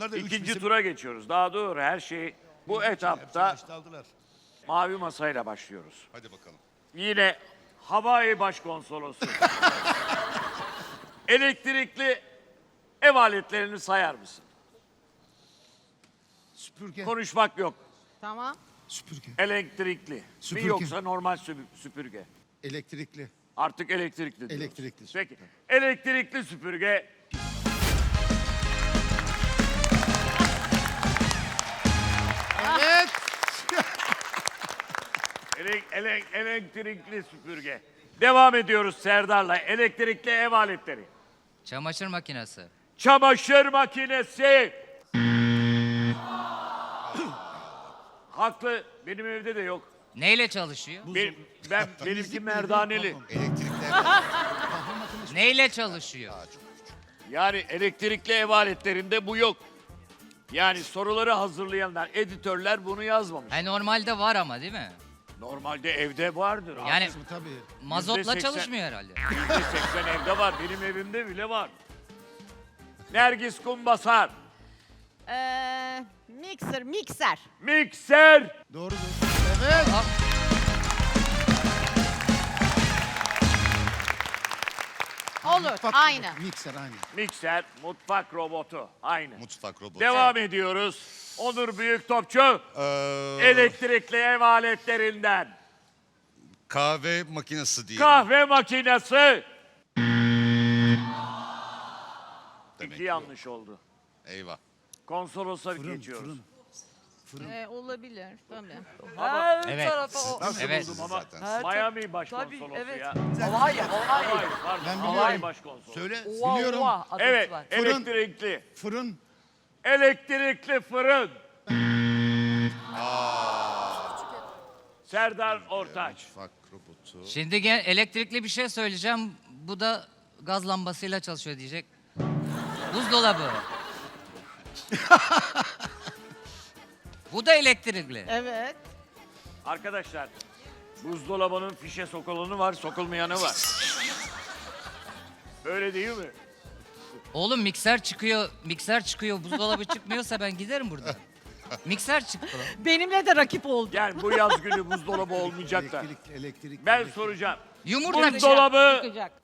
Onlar da İkinci tura geçiyoruz. Daha doğru her şey bu etapta mavi masayla başlıyoruz. Hadi bakalım. Yine Hawaii Başkonsolosu. Elektrikli ev aletlerini sayar mısın? Süpürge. Konuşmak yok. Tamam. Süpürge. Elektrikli mi Süpürge. yoksa normal süpürge? Elektrikli. Artık elektrikli diyoruz. Elektrikli. Peki. Elektrikli süpürge. Evet. Elektrikli süpürge. Devam ediyoruz Serdar'la. Elektrikli ev aletleri. Çamaşır makinesi. Çamaşır makinesi. Haklı. Benim evde de yok. Neyle çalışıyor? Benimki merdaneli. Elektrikler. Neyle çalışıyor? Yani elektrikli ev aletlerinde bu yok. Yani soruları hazırlayanlar, editörler bunu yazmamış. Normalde var ama değil mi? Normalde evde vardır. Yani Tabii. mazotla %80 çalışmıyor herhalde. %80 evde var. Benim evimde bile var. Nergis Kumbasar. Mikser. Mikser. Doğrudur. Evet. Olur, Mutfak aynı. robotu, Mikser aynı. Mikser, mutfak robotu. Aynı. Mutfak robotu. Devam ediyoruz. Onur Büyüktopçu. Elektrikli ev aletlerinden. Kahve makinesi diye. Kahve makinesi. Demek İki ki yanlış oldu. Eyvah. Konsolosa Fırın, geçiyoruz. fırın. Olabilir. Tabii. Ama Evet. nasıl Evet. buldum ama Zaten. Miami başkonsolosu evet. ya. Hawaii. Hayır, pardon. Ben Hawaii biliyorum. başkonsolosu. Söyle. Biliyorum. Evet, Var. Fırın. elektrikli. Fırın. Elektrikli fırın. Serdar Ortaç. Mutfak robotu. Şimdi elektrikli bir şey söyleyeceğim. Bu da gaz lambasıyla çalışıyor diyecek. Buzdolabı. Bu da elektrikli. Evet. Arkadaşlar, buzdolabının fişe sokulanı var, sokulmayanı var. Öyle değil mi? Oğlum mikser çıkıyor, buzdolabı çıkmıyorsa ben giderim buradan. Mikser çıktı lan. Benimle de rakip oldu. Yani bu yaz günü buzdolabı olmayacak da. Elektrik. Ben soracağım. Yumurta Buzdolabı Çıkacak.